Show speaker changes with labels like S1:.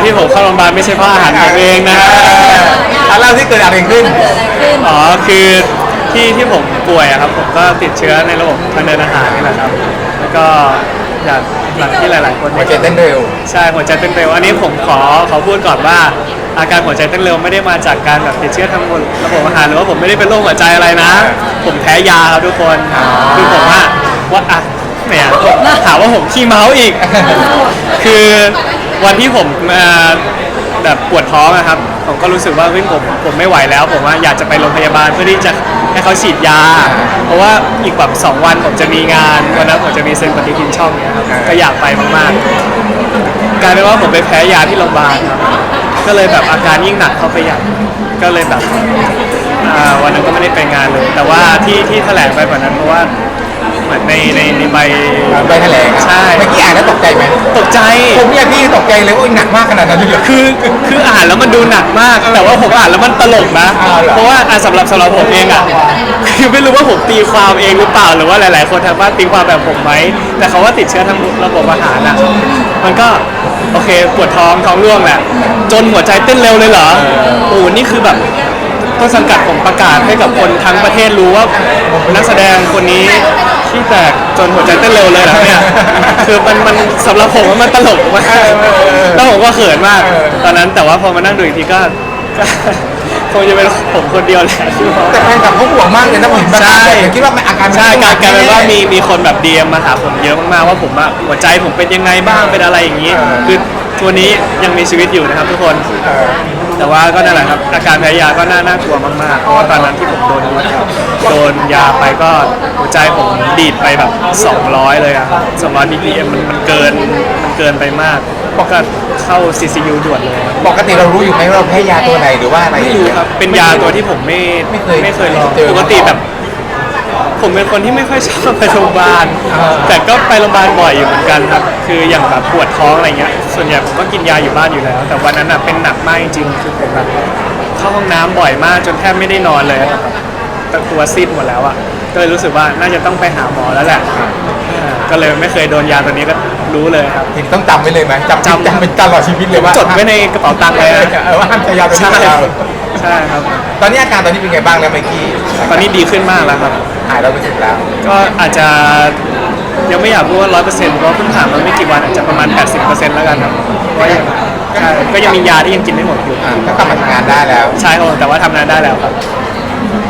S1: ที่ผมเข้าโรงพยาบาลไม่ใช่เพราะอาหารผมเองนะ
S2: เล่าที่เกิดอะไรขึ้น
S1: อ๋อคือที่ผมป่วยอะครับผมก็ติดเชื้อในระบบทางเดินอาหารนี่แหละครับแล้วก็อย่างที่หลายๆคน
S2: หัวใจเต้นเร็ว
S1: ใช่หัวใจเต้นเร็วอันนี้ผมขอพูดก่อนว่าอาการหัวใจเต้นเร็วไม่ได้มาจากการแบบติดเชื้อทางระบบอาหารหรือว่าผมไม่ได้เป็นโรคหัวใจอะไรนะผมแพ้ยาครับทุกคนคือผมว่าเนี่ยถามว่าผมขี้เมาอีกคือวันที่ผมแบบปวดท้องนะครับผมก็รู้สึกว่าผมไม่ไหวแล้วผมว่าอยากจะไปโรงพยาบาลเพื่อที่จะให้เขาฉีดยาเพราะว่าอีกแบบ2 วันผมจะมีงานวันนั้นผมจะมีเซ็นปฏิทินช่องเนี่ยครับก็อยากไปมากๆกลายเป็นว่าผมไปแพ้ยาที่โรงพยาบาลครับก็เลยแบบอาการยิ่งหนักเข้าไปใหญ่ก็เลยแบบวันนั้นก็ไม่ได้ไปงานเลยแต่ว่าที่แถลงไปแบบนั้นเพราะว่าเหมือนในใบ
S2: แถลง
S1: ใช่
S2: เมื่อกี้อ่านแล้วตกใจไหม
S1: ตกใจ
S2: ผมเนี่ยพี่ตกใจเลยว่าหนักมากขนาดนั้นเลย
S1: คืออ่านแล้วมันดูหนักมากแต่ว่าผมอ่านแล้วมันตลกนะเพราะว่าสำหรับผมเองอ่ะคือไม่รู้ว่าผมตีความเองหรือเปล่าหรือว่าหลายๆคนทางบ้านตีความแบบผมไหมแต่เขาว่าติดเชื้อทางระบบอาหารอ่ะมันก็โอเคปวดท้องร่วงแหละจนหัวใจเต้นเร็วเลยเหรอโอ้นี่คือแบบต้นสังกัดผมประกาศให้กับคนทั้งประเทศรู้ว่านักแสดงคนนี้ที่แตกจนหัวใจเต้นเร็วเลยเหรอเนี่ยคือมันสำหรับผมมันตลกมากแล้วผมก็เขินมากตอนนั้นแต่ว่าพอมานั่งดูอีกทีก็คงจะเป็นผมคนเดียวแหละ
S2: แต่แฟนคลับเขาห่วงมากเลยนะผม
S1: ใช่
S2: คิดว่าอาการ
S1: ใช่กลายเป็นว่ามีคนแบบดีเอ็มมาหาผมเยอะมากๆว่าผมอะหัวใจผมเป็นยังไงบ้างเป็นอะไรอย่างนี้คือตัวนี้ยังมีชีวิตอยู่นะครับทุกคนแต่ว่าก็นั่นแหละครับอาการแพ้ยาก็น่ากลัวมากๆเพราะว่าตอนนั้นที่ผมโดนยาไปก็หัวใจผมดีดไปแบบ200เลยอะ200 BPM มันเกินไปมากก็เข้า CCU ด่วนเลย
S2: ปกติเรารู้อยู่ไหมว่าเราแพ้ยาตัวไหนหรือว่าอะไร
S1: ไม่รู้ครับเป็นยาตัวที่ผมไม่เคยลองปกติแบบผมเป็นคนที่ไม่ค่อยชอบไปโรงพยาบาลแต่ก็ไปโรงพยาบาลบ่อยอยู่เหมือนกันครับคืออย่างแบบปวดท้องอะไรเงี้ยส่วนใหญ่ผมก็กินยาอยู่บ้านอยู่แล้วแต่วันนั้นเป็นหนักมากจริงๆคือผมแบบเข้าห้องน้ำบ่อยมากจนแทบไม่ได้นอนเลยแต่ตัวซีดหมดแล้วอ่ะก็เลยรู้สึกว่าน่าจะต้องไปหาหมอแล้วแหละก็เลยไม่เคยโดนยาตัวนี้ก็รู้เลยครับ
S2: ทีนี้ต้องจำไว้เลยไหมจำเป็นตลอดชีวิตเลยว่า
S1: จดไว้ในกระเป๋าตังค์เลย
S2: ว่าห้ามใช้ยาตัวนี้
S1: ใช่ครับ
S2: ตอนนี้อาการตอนนี้เป็นไงบ้างแล้วเมื่อกี้
S1: ตอนนี้ดีขึ้นมากแล้วครับ
S2: หาย100%แล้ว
S1: ก็อาจจะยังไม่อยากพูดว่า100%เพราะเพิ่งผ่านมาไม่กี่วันอาจจะประมาณ 80%แล้วกันครับเพราะก็ยังมียาที่ยังกินไม่หมดอยู่
S2: ก็กลับมาทำงานได้แล้ว
S1: ใช่ครับแต่ว่าทำงานได้แล้วครับ